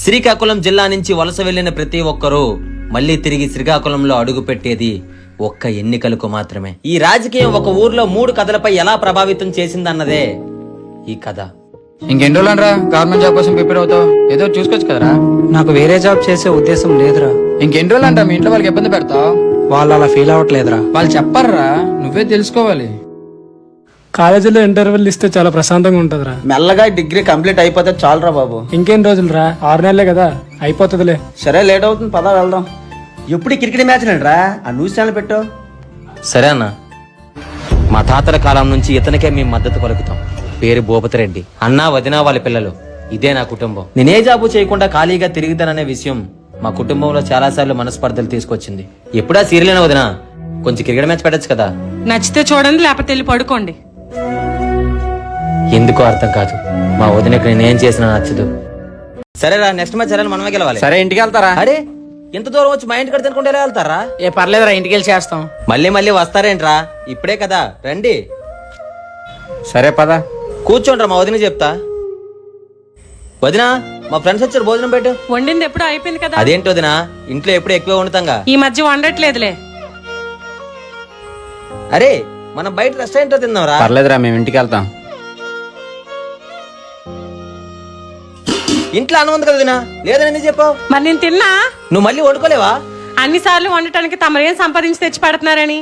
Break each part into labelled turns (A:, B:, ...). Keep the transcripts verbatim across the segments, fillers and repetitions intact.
A: శ్రీకాకుళం జిల్లా నుంచి వలస వెళ్లిన ప్రతి ఒక్కరూ మళ్లీ తిరిగి శ్రీకాకుళంలో అడుగు పెట్టేది ఒక్క ఎన్నికలకు మాత్రమే. ఈ రాజకీయం ఒక ఊర్లో మూడు కథలపై ఎలా ప్రభావితం చేసిందన్నదే ఈ కథ.
B: ఇంకెన్ని రోజులనరా గవర్నమెంట్ జాబ్ కోసం ప్రిపేర్ అవుతావు? ఏదో చూసుకోవచ్చు కదరా.
C: నాకు వేరే జాబ్ చేసే ఉద్దేశం లేదురా.
B: ఇంకెన్ని రోజులంటా మీ ఇంట్లో వాళ్ళకి ఇబ్బంది పెడతావు?
C: వాళ్ళు అలా ఫీల్ అవ్వట్లేదురా.
B: వాళ్ళు చెప్పర్రా, నువ్వే తెలుసుకోవాలి.
D: కాలేజీలో ఇంటర్వ్యూలు ఇస్తే చాలా ప్రశాంతంగా ఉంటదిరా.
E: మెల్లగా డిగ్రీ కంప్లీట్ అయిపోతే చాలురా బాబు.
D: ఇంకేం రోజులు రా, ఆరు నెలలే కదా, అయిపోతుందిలే.
E: సరే లేట్ అవుతుంది, పదా వెళ్దాం. ఎప్పుడు క్రికెట్ మ్యాచ్ రా, ఆ న్యూస్ ఛానల్ పెట్టు.
A: సరే అన్న, మా తాతల కాలం నుంచి ఇతనికే మేము మద్దతు పలుకుతాం. పేరు భూపతిరెడ్డి. అన్నా వదినా వాళ్ళ పిల్లలు, ఇదే నా కుటుంబం. నేనే జాబు చేయకుండా ఖాళీగా తిరుగుతాననే విషయం మా కుటుంబంలో చాలా సార్లు మనస్పర్ధలు తీసుకొచ్చింది. ఎప్పుడా సీరియల్ వదినా, కొంచెం క్రికెట్ మ్యాచ్ పెట్టచ్చు కదా.
F: నచ్చితే చూడండి, లేకపోతే వెళ్ళి పడుకోండి.
A: ఎందుకో అర్థం కాదు, మా వదినకి నేనేం చేసినా నచ్చదు. సరేరా, నెక్స్ట్ మ్యాచ్ సరే మనమే గెలవాలి.
B: సరే ఇంటికి వెళ్తారా?
A: అరే ఎంత దూరం వచ్చి మా ఇంటి కడ తినుకుంటే ఎలా వెళ్తారా?
B: ఏ పర్లేదురా, ఇంటికి వెళ్ళి చేస్తాం.
A: మళ్ళీ మళ్ళీ వస్తారేంట్రా, ఇప్పుడే కదా, రండి.
B: సరే పద.
A: కూర్చోండ్రా, మా వదిన చెప్తా. వదినా, మా ఫ్రెండ్స్ వచ్చారు, భోజనం పెట్టు.
F: వండింది ఎప్పుడు అయిపోయింది కదా.
A: అదేంటి వదినా, ఇంట్లో ఎప్పుడు ఎక్కువ వండుతాంగా.
F: ఈ మధ్య వండట్లేదులే.
A: అరే మనం బయట రెస్టారెంట్ లో తిందాంరా.
B: పర్లేదురా, మేము ఇంటికి వెళ్తాం.
A: ఇంట్లో అన్నం ఉంది కదా వదినా, లేదని ఎందుకు చెప్పావు?
F: మరి నేను తిన్నా.
A: నువ్వు మళ్ళీ వండుకోలేవా?
F: అన్ని సార్లు వండటానికి తమరేం సంపాదించి తెచ్చి పెడుతున్నారని.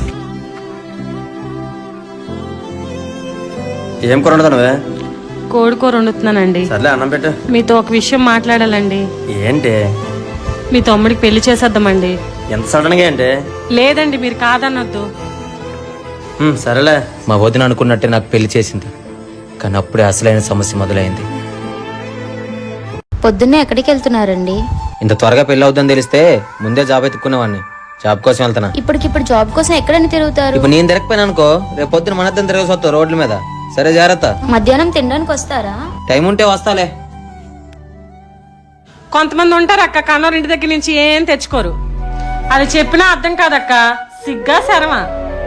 E: ఏం కూర వండుతానువే?
F: కోడికూర వండుతున్నానండి.
E: సర్లే అన్నం పెట్టు.
F: మీతో ఒక విషయం మాట్లాడాలండి.
E: ఏంటి?
F: మీ తమ్ముడికి పెళ్లి చేసేద్దామండి.
E: ఎంత సడన్ గా ఏంటి?
F: లేదండి, మీరు కాదన్నొద్దు.
A: హ్మ్, సరేలే. మా వదిన అనుకున్నట్టే నాకు పెళ్లి చేసింది, కానీ అప్పుడే అసలైన సమస్య మొదలైంది.
G: పొద్దున్నే ఎక్కడికి వెళ్తున్నారండి?
A: ఇంత త్వరగా పెళ్లి అవుతుందని తెలిస్తే ముందే జాబ్ ఎత్తుకునేవాడిని. జాబ్ కోసం వెళ్తానా?
G: ఇప్పటికిప్పుడు జాబ్ కోసం ఎక్కడని తిరుగుతారు?
A: ఇప్పుడు నేను తిరగపోయినా అనుకో, రేపు పొద్దున మనద్దం తిరగసి వస్తావు రోడ్ల మీద. సరే జాగ్రత్త.
G: మధ్యాహ్నం తినడానికి వస్తారా?
A: టైం ఉంటే వస్తాలే.
F: కొంతమంది ఉంటారు అక్క, కన్నోరు ఇంటి దగ్గర నుంచి ఏం తెచ్చుకోరు. అది చెప్పినా అర్థం కాదక్క, సిగ్గా శరమా.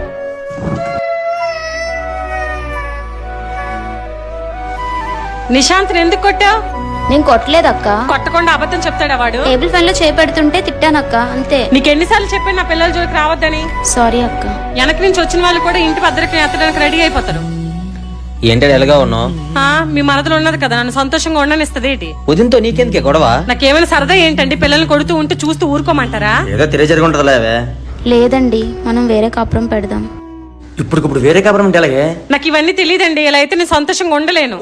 F: నిశాంత్ని ఎందుకు కొట్టావు?
G: నేను కొట్టలేదక్క.
F: కొట్టకుండా అబద్ధం చెప్తాడా వాడు?
G: టేబుల్ ఫ్యాన్ లో చేపెడుతుంటే తిట్టానక్క, అంతే.
F: నీకెన్నిసార్లు చెప్పాను నా పిల్లల జోలికి రావద్దని?
G: సారీ అక్క.
F: వెనక నుంచి వచ్చిన వాళ్ళు కూడా ఇంటి భద్రతని ఎత్తడానికి రెడీ అయిపోతారు.
A: ఏంటో ఎలాగా ఉన్నావు?
F: మీ మనసులో ఉన్నది కదా, నన్ను సంతోషంగా ఉండనిస్తుంది ఏంటి?
A: వదినతో నీకెందుకే గొడవ?
F: నాకేమైనా సరదా ఏంటండి? పిల్లల్ని కొడుతూ ఉంటే చూస్తూ ఊరుకోమంటారా?
E: ఏదో తిరిగి జరుగుంటదిలే.
G: లేదండి, మనం వేరే కాపురం పెడదాం.
E: ఇప్పుడు వేరే కాపురం అంటే అలాగే?
F: నాకు ఇవన్నీ తెలియదండి. ఇలా అయితే నేను సంతోషంగా ఉండలేను.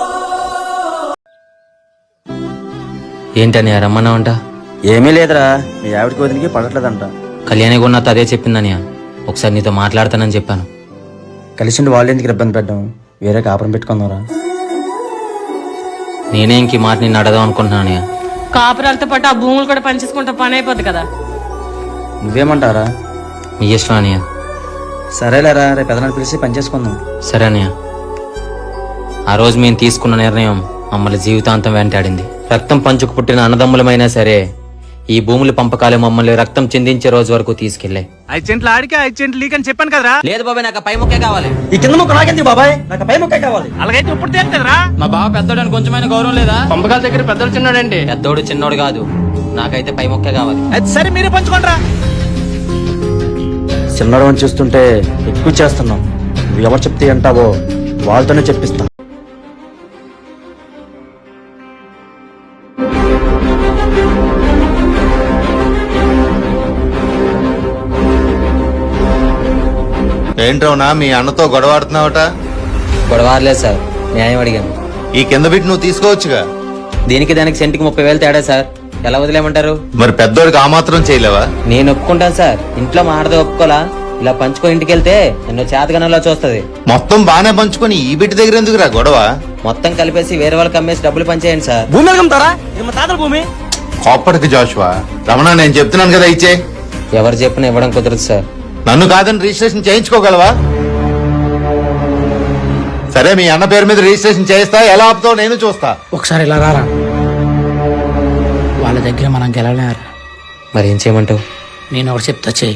A: ఏంటని రమ్మన్నావంట?
E: ఏమీ లేదురా, మీ ఆవిడకి వదిలికి పడట్లేదంట.
A: కళ్యాణి కూడా అదే చెప్పిందని. ఒకసారి నీతో మాట్లాడతానని చెప్పాను.
E: కలిసి వాళ్ళు ఎందుకు ఇబ్బంది పెట్టడం, వేరే కాపురం పెట్టుకుందారా.
A: నేనే ఇంక ఈ మాట నిన్ను అడదాం అనుకుంటున్నాను.
F: కాపురాలతో పాటు ఆ భూములు కూడా పనిచేసుకుంటా పని అయిపోద్ది కదా.
E: నువ్వేమంటారా?
A: నీ ఇష్టం అనియా.
E: సరేలేరా, రేపు పెదనాన్ని పిలిచి పని చేసుకుందాం.
A: సరే అనియా. ఆ రోజు మేము తీసుకున్న నిర్ణయం మమ్మల్ని జీవితాంతం వెంటాడింది. రక్తం పంచుకు పుట్టిన అన్నదమ్ములమైనా సరే ఈ భూముల పంపకాలు మమ్మల్ని రక్తం చెందించే రోజు వరకు తీసుకెళ్లే.
C: ఐదు సెంట్లు ఆడికి ఐదు సెంట్లు లీక్ అని చెప్పాను కదరా.
A: లేదు బాబాయ్, నాకు పై ముక్కే కావాలి.
E: ఈ కింద ముక్క నాకెందుకు బాబాయ్? నాకు పై ముక్కే కావాలి.
C: అలాగైతే ఇప్పుడు తేలుతుందిరా.
B: మా బావ పెద్దోడని కొంచెమైనా గౌరవం లేదా? పంపకాల దగ్గర పెద్దోడు చిన్నోడండి.
A: పెద్దోడు చిన్నోడు కాదు, నాకైతే పై ముక్కే కావాలి.
C: అది సరే, మీరే పంచుకోండిరా.
E: చిన్నడు అని చూస్తుంటే ఎక్కువ చేస్తున్నాం. నువ్వు ఎవరు చెప్తే అంటావో వాళ్ళతోనే చెప్పిస్తా.
H: ఏంట్రవునా మీ అన్నతో గొడవాడుతున్నావట?
A: గొడవలేదు సార్, న్యాయం అడిగాను.
H: ఈ కింద బిట్ నువ్వు తీసుకోవచ్చుగా.
A: దీనికి దానికి సెంటికి ముప్పై వేలు తేడా సార్, ఎలా వదిలేమంటారు?
H: మరి పెద్దోడికి ఆ మాత్రం చేయలేవా?
A: నేను ఒప్పుకుంటాను సార్, ఇంట్లో మా ఆడదో ఒప్పుకోలా. ఇలా పంచుకో ఇంటికి వెళ్తే ఎన్నో చేతగనలో చూస్తుంది.
H: మొత్తం బానే పంచుకొని ఈ బిట్ దగ్గర ఎందుకురా గొడవ?
A: మొత్తం కలిపేసి వేరే వాళ్ళకి అమ్మేసి డబ్బులు పంచేయండి సార్.
E: భూమి వెళ్తారా? మా తాతల భూమి.
H: కోప్పటికి జాషువా. రమణ, నేను చెప్తున్నాను కదా, ఇచ్చే.
A: ఎవరు చెప్పినా ఇవ్వడం కుదరదు సార్.
H: నన్ను కాదని రిజిస్ట్రేషన్ చేయించుకోగలవా? సరే, మీ అన్న పేరు మీద రిజిస్ట్రేషన్ చేస్తా. ఎలా ఆపుతావు నేను చూస్తా.
C: ఒకసారి ఇలా రారా, వాళ్ళ దగ్గర మనం గెలవలేరు.
A: మరి ఏం చేయమంటావు?
C: నేను ఒకటి చెప్తా, చెయ్యి.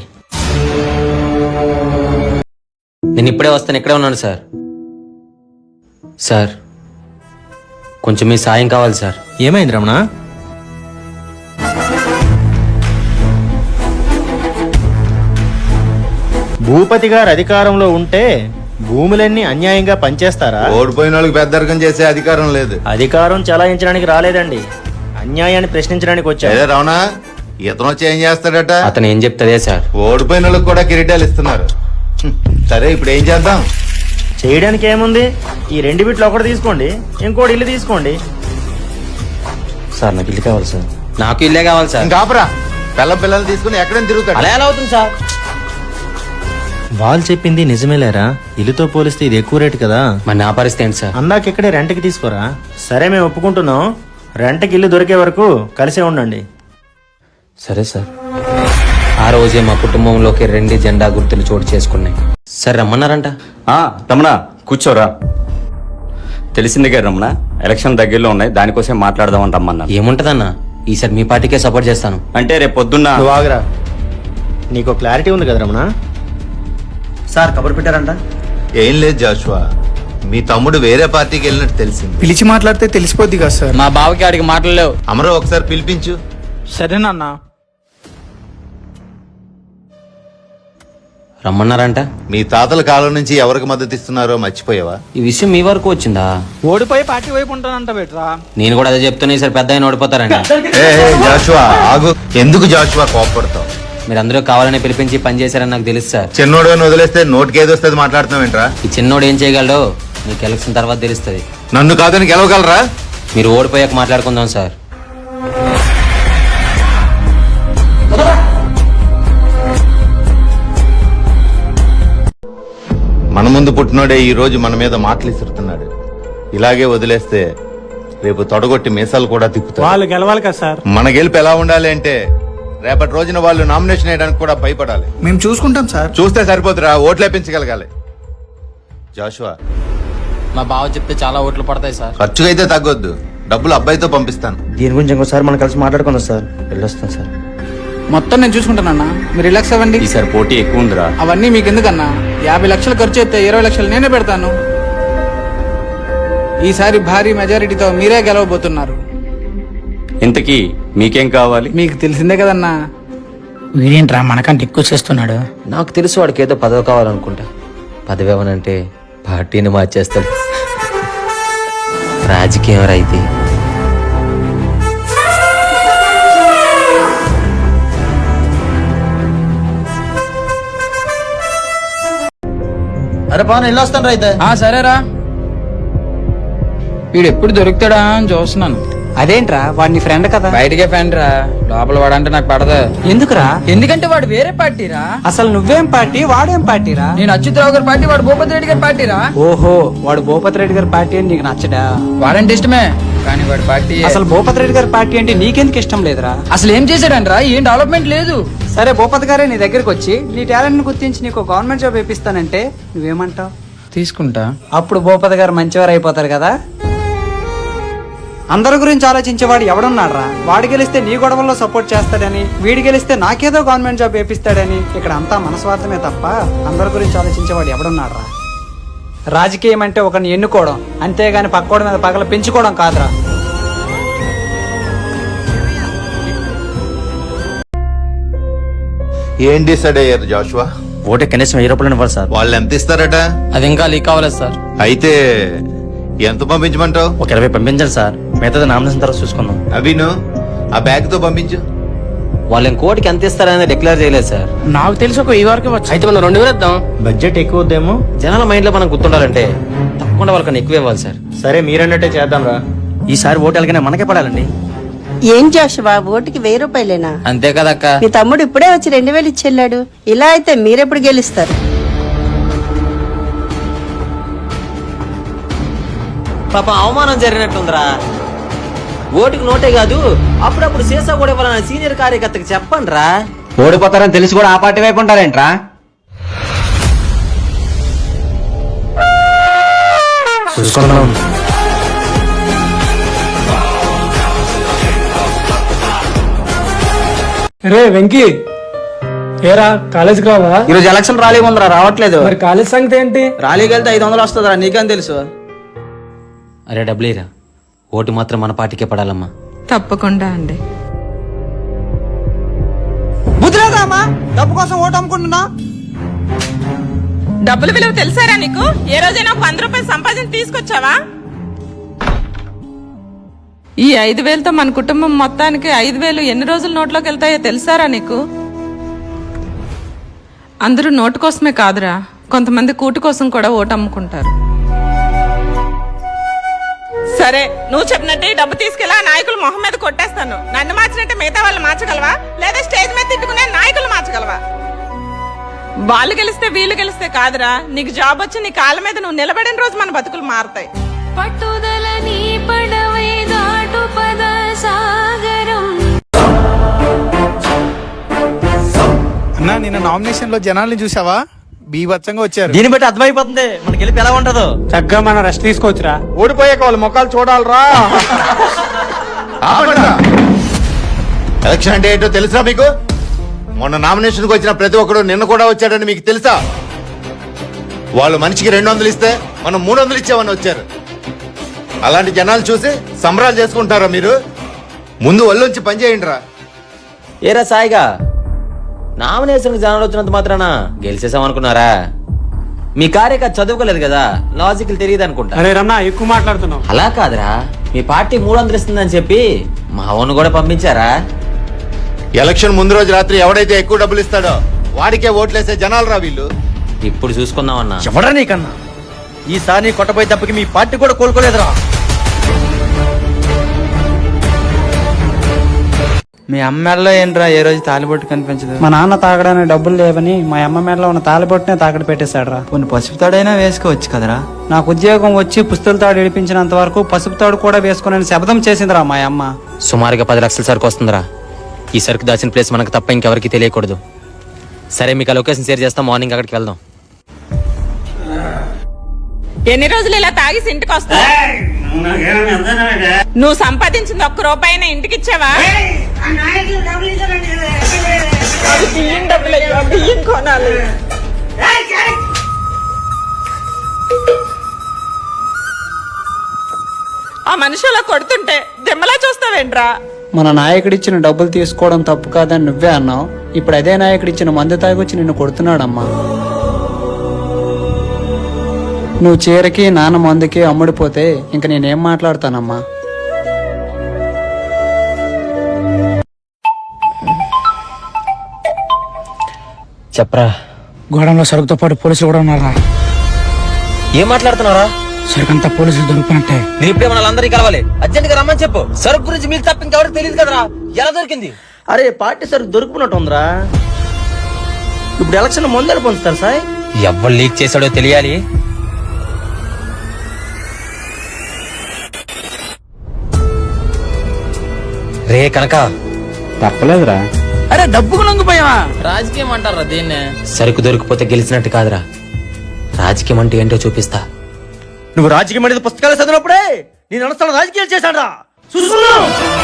A: నేను ఇప్పుడే వస్తాను, ఇక్కడే ఉన్నాను సార్. సార్, కొంచెం మీ సాయం కావాలి సార్.
I: ఏమైంది రమణ? భూపతి గారు అధికారంలో ఉంటే భూములన్నీ అన్యాయంగా పంచేస్తారా?
H: ఓడిపోయిన వాళ్ళకి పెద్దరికం చేసే అధికారం లేదు.
I: అధికారం చలాయించడానికి రాలేదండి, అన్యాయాన్ని ప్రశ్నించడానికి వచ్చారు.
H: అదే రావణా, ఇతను వచ్చి ఏం చేస్తాడట?
A: అతను ఏం చెప్తాదే సార్.
H: ఓడిపోయిన వాళ్ళకి కూడా కిరీటాలు ఇస్తున్నారు. హ్మ్. సరే ఇప్పుడు ఏం చేద్దాం?
I: చేయడానికి ఏముంది, ఈ రెండు బిట్లు ఒకటి తీసుకోండి, ఇంకోటి ఇల్లు తీసుకోండి.
E: సార్ నాకు ఇల్లు కావాలి సార్.
A: నాకు ఇల్లే కావాలి సార్.
H: ఇంకా ఆపరా, పిల్ల పిల్లలు తీసుకుని ఎక్కడైనా తిరుగుతాడు.
A: అలా ఎలా అవుతుంది సార్?
I: వాళ్ళు చెప్పింది నిజమేలేరా, ఇల్లుతో పోలిస్తే ఇది ఎక్కువ రేటు కదా.
A: మరి నా పరిస్థితి ఏంటి సార్?
I: అందాక ఇక్కడే రెంట్కి తీసుకోరా. సరే మేము ఒప్పుకుంటున్నాం, రెంట్కి ఇల్లు దొరికే వరకు కలిసే ఉండండి.
E: సరే సార్.
A: ఆ రోజే మా కుటుంబంలోకి రెండు జెండా గుర్తులు చోటు చేసుకున్నాయి. సార్ రమ్మన్నారంట.
J: ఆ, రమణ కూర్చోరా. తెలిసిందిగా రమణ, ఎలక్షన్ దగ్గరలో ఉన్నాయి, దానికోసం మాట్లాడదామని రమ్మన్నా.
A: ఏముంటదన్నా, ఈసారి మీ పార్టీకే సపోర్ట్ చేస్తాను.
J: అంటే రేపు పొద్దున్న
I: నువ్వు ఆగురా, నీకు క్లారిటీ ఉంది కదా రమణ.
E: సార్ కబురు పెట్టారంట.
H: ఏం లేదు జాషువా, మీ తమ్ముడు వేరే పార్టీకి వెళ్ళినట్టు తెలిసింది.
D: పిలిచి మాట్లాడితే తెలిసిపోద్ది కదా సార్.
C: మా బావకి ఆడికి మాటలు లేవు.
H: అమరో ఒకసారి పిలిపించు.
C: సరేనన్నా.
A: రమ్మన్నారంట.
H: మీ తాతల కాలం నుంచి ఎవరికి మద్దతు ఇస్తున్నారో మర్చిపోయావా?
A: ఈ విషయం మీ వరకు వచ్చిందా?
C: ఓడిపోయి పార్టీ వైపు ఉంటానంట బెట్రా.
A: నేను కూడా అదే చెప్తున్నా, ఈసారి పెద్ద ఆయన ఓడిపోతారండి.
H: ఏ, ఏ, జాషువా ఆగు. ఎందుకు జాషువా కోపడతావు?
A: మీరు అందరూ కావాలని పిలిపించి పని చేశారని నాకు తెలుసు సార్.
H: చిన్నోడు అని వదిలేస్తే నోటికి ఏది వస్తుంది మాట్లాడుతున్నావు ఏంట్రా?
A: ఈ చిన్నోడు ఏం చేయగలడో మీకు ఎలక్షన్ తర్వాత తెలుస్తుంది.
H: నన్ను కాదని గెలవగలరా?
A: మీరు ఓడిపోయాక మాట్లాడుకుందాం సార్.
H: మన ముందు పుట్టినోడే ఈ రోజు మన మీద మాటలు ఇస్తున్నాడు. ఇలాగే వదిలేస్తే రేపు తొడగొట్టి మీసాలు కూడా తిప్పుతారు.
C: వాళ్ళు గెలవాలి కదా సార్.
H: మన గెలుపు ఎలా ఉండాలి అంటే రేపటి రోజున వాళ్ళు నామినేషన్ వేయడానికి కూడా భయపడాలి.
D: మేము చూసుకుంటాం సార్.
H: చూస్తే సరిపోతురా, ఓట్లు వేపించగలగాలి. జాషువా,
C: మా బావ చెప్తే చాలా ఓట్లు పడతాయి సార్.
H: ఖర్చుగా అయితే తగ్గొద్దు, డబ్బులు అబ్బాయితో పంపిస్తాను.
E: దీని గురించి ఇంకోసారి మనం కలిసి మాట్లాడుకుందాం సార్. వెళ్ళొస్తాను సార్.
B: మొత్తం నేను చూసుకుంటానన్నా, మీరు రిలాక్స్ అవ్వండి.
J: ఈసారి పోటీ ఎక్కువ ఉందిరా.
B: అవన్నీ మీకు ఎందుకన్నా, యాభై లక్షలు ఖర్చు అయితే ఇరవై లక్షలు నేనే పెడతాను. ఈసారి భారీ మెజారిటీతో మీరే గెలవబోతున్నారు.
J: ఇంతకీ మీకేం కావాలి?
B: మీకు తెలిసిందే కదన్నా.
C: వీడేంట్రా మనకంటే ఎక్కువ చేస్తున్నాడు.
A: నాకు తెలుసు వాడికి ఏదో పదవి కావాలనుకుంటా. పదవి ఏమనంటే పార్టీని మార్చేస్తాడు. రాజకీయం రైతే
E: అరే పవన్ వెళ్ళొస్తాను రా అయితే.
B: ఆ సరేరా, వీడు ఎప్పుడు దొరుకుతాడా అని చూస్తున్నాను.
C: అదేంట్రా వాడిని ఫ్రెండ్ కదా.
B: బయటకే ఫ్రెండ్ రా, లోపల వాడంటే నాకు పడదు.
C: ఎందుకురా?
B: ఎందుకంటే వాడు వేరే పార్టీరా.
C: అసలు నువ్వేం పార్టీ, వాడేం పార్టీరా?
B: నేను అచ్యుతరావు గారి పార్టీ, వాడు భూపతి రెడ్డి గారి పార్టీరా.
C: ఓహో, వాడు భూపతి రెడ్డి గారి పార్టీ అని నీకు నచ్చడా?
B: వాడంటే ఇష్టమే, కానీ వాడి పార్టీ
C: అసలు భూపతి రెడ్డి గారి పార్టీ అంటే నీకెందుకు ఇష్టం లేదురా?
B: అసలు ఏం చేశాడంట్రా, ఏం డెవలప్మెంట్ లేదు.
C: సరే భూపతి గారే నీ దగ్గరికి వచ్చి నీ టాలెంట్ ని గుర్తించి నీకు గవర్నమెంట్ జాబ్ ఇప్పిస్తానంటే నువ్వేమంటావు?
B: తీసుకుంటా.
C: అప్పుడు భూపతి గారు మంచివారు అయిపోతారు కదా. అందరి గురించి ఆలోచించేవాడు ఎవడున్నాడ్రా? వాడు గెలిస్తే నీ గొడవల్లో సపోర్ట్ చేస్తాడని, వీడు గెలిస్తే నాకేదో గవర్నమెంట్ జాబ్ వేపిస్తాడని. ఇక్కడ అంతా మనస్వార్థమే తప్ప అందరి గురించి ఆలోచించేవాడు ఎవడున్నాడ్రా? రాజకీయం అంటే ఒకరిని ఎన్నుకోవడం, అంతేగాని పక్కోడి మీద పగల పెంచుకోవడం కాదురా.
H: ఏం డిసైడ్ అయ్యారు జాషువా?
E: ఓటే కనీసం వెయ్యి రూపాయలు ఇవ్వాలి సార్.
H: వాళ్ళు ఎంత ఇస్తారట?
B: అది ఇంకా లీక్ అవ్వలేదు సార్.
H: అయితే ఎంత పంపించమంటావు?
E: ఒక ఇరవై పంపించండి సార్, మిగతాది నామినేషన్ తర్వాత చూసుకుందాం.
H: అభిను, ఆ బ్యాగ్ తో పంపించు.
A: వాళ్ళు ఇంకోటికి ఎంత ఇస్తారని డిక్లేర్ చేయలేదు సార్.
C: నాకు తెలిసి ఒక ఈ వరకు వచ్చు.
B: అయితే మనం రెండు వేలు ఇద్దాం.
I: బడ్జెట్ ఎక్కువ వద్దేమో.
A: జనాల మైండ్ లో మనం గుర్తుండాలంటే తప్పకుండా వాళ్ళకన్నా ఎక్కువ ఇవ్వాలి సార్.
I: సరే మీరన్నట్టే చేద్దాం రా.
E: ఈసారి ఓటు ఎలాగైనా మనకే పడాలండి.
K: ఏం జాషువా, ఓటుకి వెయ్యి రూపాయలేనా?
B: అంతే కదక్క.
K: మీ తమ్ముడు ఇప్పుడే వచ్చి రెండు వేలు ఇచ్చెళ్ళాడు. ఇలా అయితే మీరెప్పుడు గెలుస్తారు?
A: పాప అవమానం జరిగినట్టుందిరా. ఓటుకు నోటే కాదు, అప్పుడప్పుడు సీసా కూడా ఇవ్వాలన్న సీనియర్ కార్యకర్తకి చెప్పండి రా.
C: ఓడిపోతారని తెలిసి కూడా ఆ పార్టీ వైపు ఉంటారేంట్రా?
E: చూసుకుందాం.
D: రే వెంకీ, ఏరా కాలేజీకి రావా?
C: ఈరోజు ఎలక్షన్ ర్యాలీ ఉందిరా, రావట్లేదు.
D: మరి కాలేజ్ సంగతి ఏంటి?
C: ర్యాలీకి వెళ్తే ఐదు వందలు వస్తుందిరా, నీకేం తెలుసు?
A: అరే డబ్బులేరా, ఓటు మాత్రం మన పార్టీకే పడాలమ్మా.
F: తప్పకుండా అండి.
C: బుద్ధిరాదమ్మా, డబ్బు కోసం ఓటు అమ్ముకుంటున్నా.
F: డబ్బుల విలువ తెలుసారా నీకు? ఏ రోజైనా ఒక వంద రూపాయలు సంపాదించి తీసుకొచ్చావా? ఈ ఐదు వేలతో మన కుటుంబం మొత్తానికి ఐదు వేలు ఎన్ని రోజులు నోట్లోకి వెళ్తాయో తెలుసారా నీకు? అందరూ నోటు కోసమే కాదురా, కొంతమంది కూటు కోసం కూడా ఓటు అమ్ముకుంటారు. సరే, నువ్వు చెప్పినట్టే ఈ డబ్బు తీసుకెళ్ళి ఆ నాయకులు మొహం మీద కొట్టేస్తాను. నన్ను మార్చినట్టే మిగతా వాళ్ళు మార్చగలవా? లేదా స్టేజ్ మీద తిట్టుకునే నాయకులు మార్చగలవా? వాళ్ళు గెలిస్తే వీళ్ళు గెలిస్తే కాదురా, నీకు జాబ్ వచ్చి నీ కాళ్ళ మీద నువ్వు నిలబడిన రోజు మన బతుకులు మారుతాయి.
G: పట్టుదల నీ పడవే దాటు పద సాగరం.
C: అన్నా, నిన్న నామినేషన్ లో జనాల్ని చూసావా? బీభత్సంగా వచ్చారు.
E: దీన్ని బట్టి అర్థమైపోతుంది మన గెలిపి ఎలా ఉంటుందో.
C: చక్కగా మనం రెస్ట్ తీసుకోవచ్చురా.
E: ఓడిపోయాక వాళ్ళ మొక్కలు చూడాలరా.
H: ఎలక్షన్ అంటే ఏంటో తెలుసా మీకు? మొన్న నామినేషన్కి వచ్చిన ప్రతి ఒక్కడు నిన్న కూడా వచ్చాడని మీకు తెలుసా? వాళ్ళు మనిషికి రెండు వందలు ఇస్తే మనం మూడు వందలు ఇచ్చామని వచ్చారు. అలాంటి జనాలు చూసి సంబరాలు చేసుకుంటారా మీరు? ముందు ఒళ్ళొంచి పనిచేయండి రా.
A: ఏరా సాయిగా, నామినేషన్ జనాలు వచ్చినంత మాత్రాన గెలిచేసాం అనుకున్నారా? మీ కార్యకర్త చదువుకోలేదు కదా, లాజికల్ తెలియదు అనుకుంటా.
C: అరే రమణ, ఎక్కువ మాట్లాడుతున్నావు.
A: అలా కాదురా, మీ పార్టీ మూడు వందలు ఇస్తుందని చెప్పి మా అవును కూడా పంపించారా?
H: ఎలక్షన్ ముందు రోజు రాత్రి ఎవడైతే ఎక్కువ డబ్బులు ఇస్తాడో వాడికే ఓట్లేసే జనాలు రా వీళ్ళు.
A: ఇప్పుడు చూసుకుందామన్నా.
E: ఎవడా నీకన్నా? ఈసారి నీ కొట్టపోయి తప్పకి మీ పార్టీ కూడా కోలుకోలేదురా.
B: మీ అమ్మాయిలో ఏంట్రా ఏ రోజు తాలిబొట్టు కనిపించదు?
C: మా నాన్న తాగడానికి డబ్బులు లేవని మా అమ్మ మేడలో ఉన్న తాలిబొట్టునే తాకట్టు పెట్టేశాడు రా.
B: కొన్ని పసుపు తాడైనా వేసుకోవచ్చు కదరా.
C: నాకు ఉద్యోగం వచ్చి పుస్తల తాడు ఇడిపించినంత వరకు పసుపు తాడు కూడా వేసుకుని శబ్దం చేసిందిరా మా అమ్మ.
A: సుమారుగా పది లక్షల సరుకు వస్తుందిరా. ఈ సరుకు దాచిన ప్లేస్ మనకు తప్ప ఇంకెవరికి తెలియకూడదు. సరే, మీకు ఆ లొకేషన్ షేర్ చేస్తాం, మార్నింగ్ అక్కడికి వెళ్దాం.
F: ఎన్ని రోజులు ఇలా తాగి ఇంటికి వస్తా? నువ్వు సంపాదించింది ఒక్క రూపాయినా ఇంటికి ఇచ్చావా? అది బియ్యం డబ్బులయ్యా, బియ్యం కొనాలి. ఆ మనిషి అలా కొడుతుంటే దిమ్మలా చూస్తావేంట్రా?
C: మన నాయకుడిచ్చిన డబ్బులు తీసుకోవడం తప్పు కాదని నువ్వే అన్నావు. ఇప్పుడు అదే నాయకుడిచ్చిన మందు తాగొచ్చి నిన్ను కొడుతున్నాడమ్మా. నువ్వు చీరకి నాన్న మందుకి అమ్ముడిపోతే ఇంక నేనేం మాట్లాడతానమ్మా.
A: చెప్పరా.
B: గోడంలో సరుకుతో పాటు పోలీసులు కూడా ఉన్నారా?
A: ఏం మాట్లాడుతున్నారా?
B: సరుకంతా పోలీసులు దొరుకుతున్నట్టే.
A: నేను ఇప్పుడే మన అందరినీ కలవాలి, అర్జెంట్ గా రమ్మని చెప్పు. సరుకు గురించి మీకు తప్ప ఇంకెవరికి తెలియదు కదరా. ఎలా దొరికింది?
E: అరే పార్టీ సరుకు దొరుకుతున్నట్టు ఉందిరా. ఇప్పుడు ఎలక్షన్ ముందర పొందుతారు సార్.
A: ఎవరు లీక్ చేశాడో తెలియాలి. రే కనక,
B: తప్పలేదురా. అరే డబ్బుకు లొంగిపోయావా?
A: రాజకీయం అంటారా దీన్నే? సరుకు దొరికిపోతే గెలిచినట్టు కాదురా, రాజకీయం అంటే ఏంటో చూపిస్తా.
E: నువ్వు రాజకీయం అనేది పుస్తకాలు చదివినప్పుడే నేను అనుస్తాను రాజకీయాలు చేశాడా చూసుకున్నా.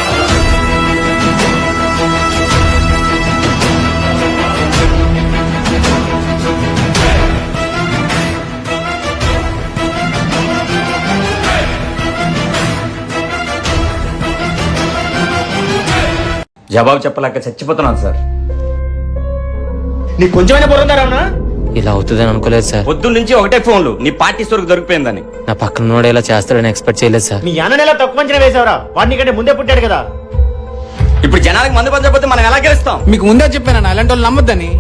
J: జవాబు చెప్పలేక చచ్చిపోతున్నాను సార్.
E: నీకు కొంచెమైనా బుర్రందారా?
A: ఇలా అవుతుందని అనుకోలేదు సార్.
J: పొద్దున్న నుంచి ఒకటే ఫోన్లు నీ పార్టీ సరుకు దొరికిపోయిందని.
A: నా పక్కన ఉన్నోడు ఇలా చేస్తాడని ఎక్స్పెక్ట్ చేయలేదు సార్.
E: మీ అన్న ఎలా తక్కువ అంచనా వేసావరా? వాడిని కంటే ముందే పుట్టాడు కదా.
J: ఇప్పుడు జనాలకు మందు పంచకపోతే మనం ఎలా గెలుస్తాం?
B: మీకు ముందే చెప్పాను అలాంటి వాళ్ళు నమ్మొద్దని.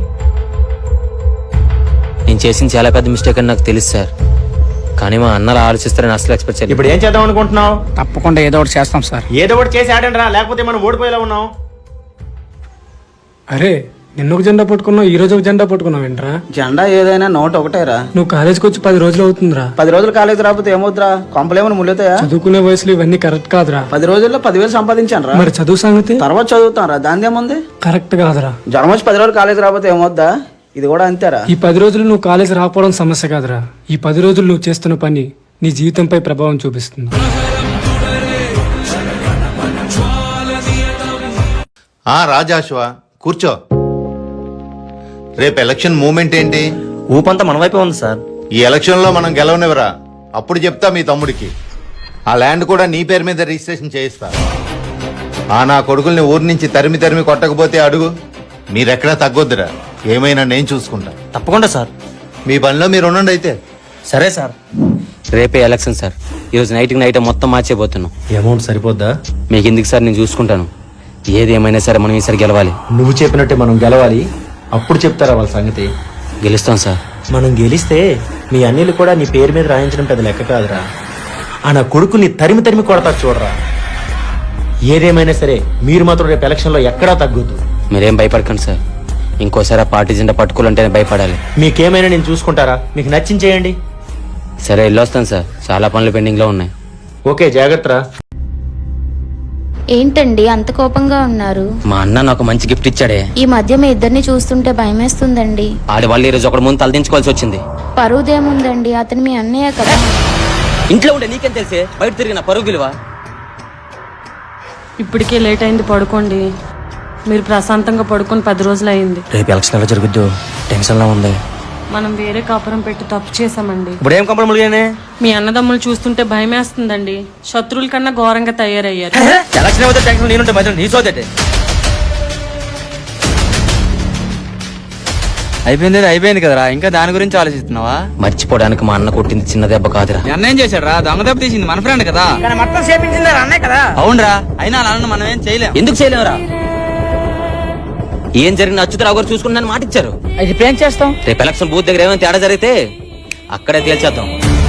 A: నేను చేసిన చాలా పెద్ద మిస్టేక్ అని నాకు తెలుసు సార్, కానీ మా అన్నలు ఆలోచిస్తారని అసలు ఎక్స్పెక్ట్ చేయలేదు.
E: ఇప్పుడు ఏం చేద్దాం అనుకుంటున్నావు?
B: తప్పకుండా ఏదో ఒకటి చేస్తాం సార్.
E: ఏదో ఒకటి చేసి ఆడండి రా, లేకపోతే మనం ఓడిపోయేలా ఉన్నాం.
D: అరే, నిన్న ఒక జెండా పట్టుకున్నావు, ఈ రోజు ఒక జెండా పట్టుకున్నావు ఏంట్రా?
C: జెండా ఏదైనా నోట్ ఒకటేరా.
D: నువ్వు కాలేజ్కి వచ్చి పది రోజులు అవుతుందిరా.
C: పది రోజులు కాలేజ్ రాకపోతే ఏమవుతురా? కొంపలేమని ముళ్ళుతాయా?
D: చదువుకునే వయసులో ఇవన్నీ కరెక్ట్ కాదురా.
C: పది రోజుల్లో పదివేలు సంపాదించాను రా.
D: మరి చదువు సంగతి
C: తర్వాత చదువుతాను రా, దాని ఏముంది?
D: కరెక్ట్ కాదురా.
C: జ్వరం వచ్చి పది రోజులు కాలేజ్ రాకపోతే ఏమవుద్దా? ఇది కూడా అంతేరా.
D: ఈ పది రోజులు నువ్వు కాలేజ్ రాకపోవడం సమస్య కాదురా, ఈ పది రోజులు నువ్వు చేస్తున్న పని నీ జీవితంపై ప్రభావం చూపిస్తుంది.
H: ఆ రాజాశ్వ కూర్చో. రేపు ఎలక్షన్ మూమెంట్ ఏంటి?
E: ఊపంతా మన వైపే ఉంది సార్.
H: ఈ ఎలక్షన్ లో మనం గెలవనివరా? అప్పుడు చెప్తా మీ తమ్ముడికి. ఆ ల్యాండ్ కూడా నీ పేరు మీద రిజిస్ట్రేషన్ చేయిస్తా. ఆ నా కొడుకుల్ని ఊరి నుంచి తరిమి తరిమి కొట్టకపోతే అడుగు. మీరెక్కడా తగ్గొద్దురా, ఏమైనా నేను చూసుకుంటా.
E: తప్పకుండా సార్.
H: మీ పనిలో మీరు ఉండండి అయితే.
E: సరే సార్.
A: రేపే ఎలక్షన్ సార్. ఈరోజు నైట్కి నైట్ మొత్తం మార్చేపోతున్నాం.
E: అమౌంట్ సరిపోద్దా?
A: మీకు ఎందుకు సార్, నేను చూసుకుంటాను. ఏది ఏమైనా సరే మనం ఈసారి గెలవాలి.
E: నువ్వు చెప్పినట్టే మనం గెలవాలి. అప్పుడు చెప్తారా వాళ్ళ సంగతి.
A: గెలుస్తాం సార్.
I: మనం గెలిస్తే మీ అన్నిలు కూడా నీ పేరు మీద రాయించడం పెద్ద లెక్క కాదురా. ఆ నా కొడుకుని తరిమి తరిమి కొడతారు చూడరా. ఏదేమైనా సరే మీరు మాత్రం రేపు ఎలక్షన్లో ఎక్కడా తగ్గొద్దు.
A: మీరేం భయపడకండి సార్. ఇంకోసారి ఆ పార్టీ జెండా పట్టుకోవాలంటేనే భయపడాలి.
I: మీకేమైనా నేను చూసుకుంటారా? మీకు నచ్చింది చేయండి.
A: సరే వెళ్ళొస్తాను సార్, చాలా పనులు పెండింగ్ లో ఉన్నాయి.
I: ఓకే, జాగ్రత్త.
G: ఏంటండి అంత కోపంగా ఉన్నారు?
A: మా అన్న నాకు మంచి గిఫ్ట్ ఇచ్చాడే.
G: ఈ మధ్య మీ ఇద్దరిని చూస్తుంటే భయమేస్తుందండి.
A: ఆడి వాళ్ళు ఈ రోజు ఒకటి ముందు తలదించుకోవాల్సి వచ్చింది.
G: పరువుదేముందండి, అతను మీ అన్నయ్య కదా.
A: ఇంట్లో ఉండే నీకేం తెలిసే బయట తిరిగిన పరుగు విలువ.
F: ఇప్పటికే లేట్ అయింది, పడుకోండి. మీరు ప్రశాంతంగా పడుకొని పది రోజులు అయింది.
E: రేపు ఎలక్షన్ ఎలా జరుగుద్దు టెన్షన్ లా ఉంది.
F: మనం వేరే కాపురం పెట్టి తప్పు చేశామండి.
E: ఇప్పుడు ఏం కంపెనీ ములిగానే?
F: మీ అన్నదమ్ములు చూస్తుంటే భయమేస్తుందండి. శత్రువుల కన్నా ఘోరంగా తయారయ్యారు.
E: ఎలక్షన్ ఏమైతే టెన్షన్ నేనుంటే మధ్యలో నీ సోదటే.
B: అయిపోయింది అయిపోయింది కదరా, ఇంకా దాని గురించి ఆలోచిస్తున్నావా?
A: మర్చిపోవడానికి మా అన్న కొట్టింది చిన్న దెబ్బ కాదురా.
B: అన్న ఏం చేశాడు రా? దొంగ దెబ్బ తీసింది మన ఫ్రెండ్ కదా. మొత్తం చేపించింది అన్నే కదా. అవునరా, అయినా అలా మనం ఏం చేయలేం.
A: ఎందుకు చేయలేవురా? ఏం జరిగిన అచ్యుతరావు గారు చూసుకున్నాను మాట ఇచ్చారు.
B: ఇప్పుడు ఏం చేస్తాం?
A: రేపు ఎలక్షన్ బూత్ దగ్గర ఏమైనా తేడా జరిగితే అక్కడే తేల్చేద్దాం.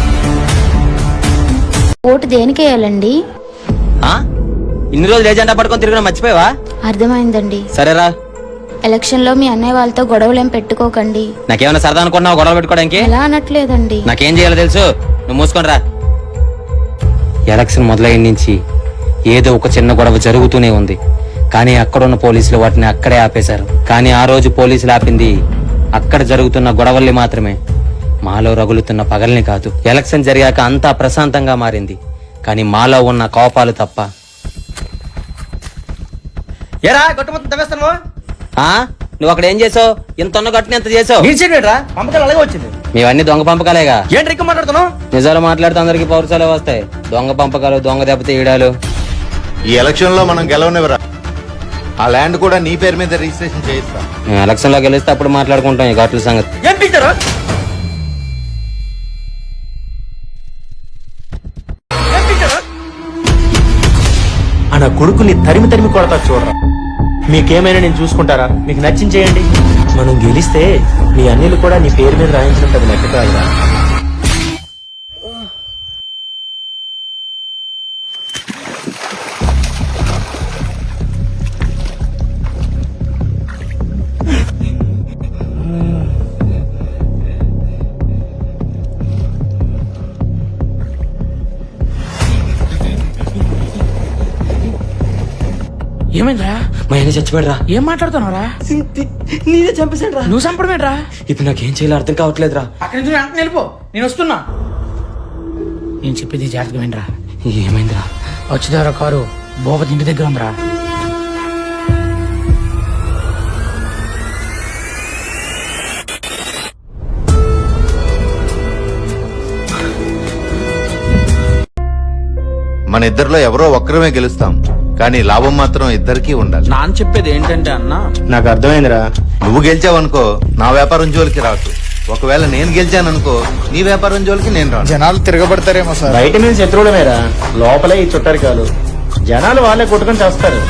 G: ఓటు దేనికి వేయాలండి?
A: ఆ? ఇన్ని రోజులు ఏజెండా పట్టుకొని తిరిగిన మర్చిపోయావా?
G: అర్థమైందండి.
A: సరేరా.
G: ఎలక్షన్ లో మీ అన్నయ్య వాళ్ళతో గొడవలేం పెట్టుకోకండి.
A: నాకేమైనా సరదా అనుకున్నావు గొడవ పెట్టుకోవడానికి?
G: ఎలా అనట్లేదండి.
A: నాకేం చేయాలో తెలుసు, నువ్వు మూసుకొని రా. ఎలక్షన్ మొదలైన నుంచి ఏదో ఒక చిన్న గొడవ జరుగుతూనే ఉంది, కానీ అక్కడున్న పోలీసులు వాటిని అక్కడే ఆపేశారు. కానీ ఆ రోజు పోలీసులు ఆపింది అక్కడ జరుగుతున్న గొడవల్ని మాత్రమే, మాలో రగులుతున్న పగల్ని కాదు. ఎలక్షన్ జరిగాక అంతా ప్రశాంతంగా మారింది, కానీ మాలో ఉన్న కోపాలు తప్ప.
E: ఏరా గట్టు మొత్తం తవ్వేస్తాను.
A: ఆ నువ్వు అక్కడ ఏం చేసావు? ఇంత ఉన్న గట్టుని ఎంత చేసావు?
E: రా పంపకాలు అలాగే వచ్చింది.
A: మేవన్నీ దొంగ పంపకాలేగా.
E: ఏంటి ఎక్కువ మాట్లాడుతున్నావు?
A: నిజాలు మాట్లాడితే అందరికి పౌరసాలే వస్తాయి. దొంగ పంపకాలు, దొంగ దెబ్బతీయడాలు.
H: ఈ ఎలక్షన్ లో మనం గెలవనివ్వరా. ఆ ల్యాండ్ కూడా నీ పేరు మీద రిజిస్ట్రేషన్ చేయిస్తా.
A: మేము ఎలక్షన్ లో గెలిస్తే అప్పుడు మాట్లాడుకుంటాం ఈ ఘాట్ల సంగతి.
E: ఏం పిచ్చారు?
I: ఆ నా కొడుకుని తరిమి తరిమి కొడతారు చూడరా. మీకేమైనా నేను చూసుకుంటారా? మీకు నచ్చింది చేయండి. మనం గెలిస్తే మీ అన్నిలు కూడా నీ పేరు మీద రాయించడం పెద్ద లెక్క కాదురా.
B: ఏమైందిరా?
A: మా ఆయన చచ్చిపోయాడురా.
B: ఏం మాట్లాడుతున్నావురా?
A: నేనే చంపేశాడు రా.
B: నువ్వు చంపడమేట్రా?
A: ఇప్పుడు నాకేం చేయాలో అర్థం కావట్లేదురా.
B: అక్కడి నుంచి వెంటనే వెళ్ళిపో, నేను వస్తున్నా. నేను చెప్పేది జాగ్రత్తగా వినరా.
A: ఏమైందిరా?
B: వచ్చేదారా కారు భూపతి ఇంటి దగ్గర ఉందిరా.
H: మన ఇద్దరిలో ఎవరో ఒక్కరమే గెలుస్తాం, కానీ లాభం మాత్రం ఇద్దరికీ ఉండాలి.
B: నాన్న చెప్పేది ఏంటంటే అన్న,
I: నాకు అర్థమైందిరా.
H: నువ్వు గెలిచావనుకో నా వ్యాపారం జోలికి రాకు. ఒకవేళ నేను గెలిచాననుకో నీ వ్యాపారం జోలికి నేను రాను.
C: జనాలు తిరగబడతారేమో సార్.
I: బయట మీద శత్రువులమేరా, లోపలే ఈ చుట్టరికాలు. జనాలు వాళ్ళే కొట్టుకొని చేస్తారు.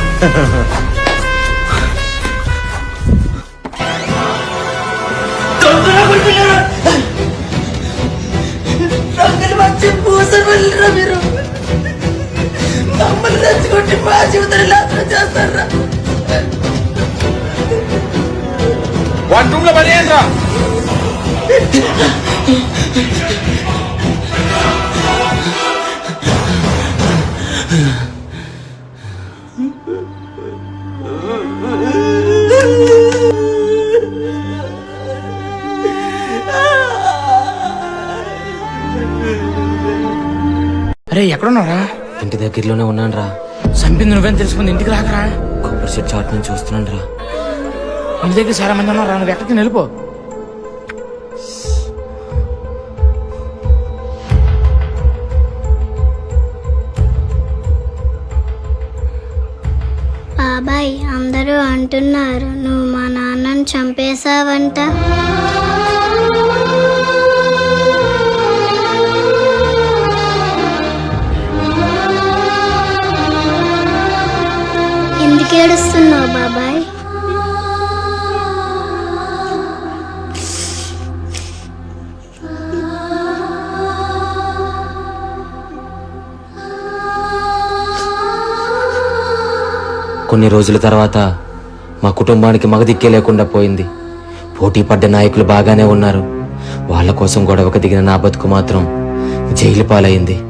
B: వన్ రూమ్ లో పని ఏంట్రా? అరే ఎక్కడున్నారా?
A: ఇంటి దగ్గరలోనే ఉన్నాను రా.
B: చంపింది నువ్వేం తెలుసుకుంది ఇంటికి రాకరా.
A: కొబ్బరి చెట్టు చాటు నుంచి చూస్తున్నాను రా.
B: ఇంటి దగ్గర చాలా మంది ఉన్నారా, నువ్వు ఎక్కడికి వెళ్ళిపో.
L: బాబాయ్ అందరూ అంటున్నారు నువ్వు మా నాన్నని చంపేశావంట.
A: కొన్ని రోజుల తర్వాత మా కుటుంబానికి మగదిక్కే లేకుండా పోయింది. పోటీ పడ్డ నాయకులు బాగానే ఉన్నారు. వాళ్ళ కోసం గొడవకు దిగిన నా బతుకు మాత్రం జైలు పాలైంది.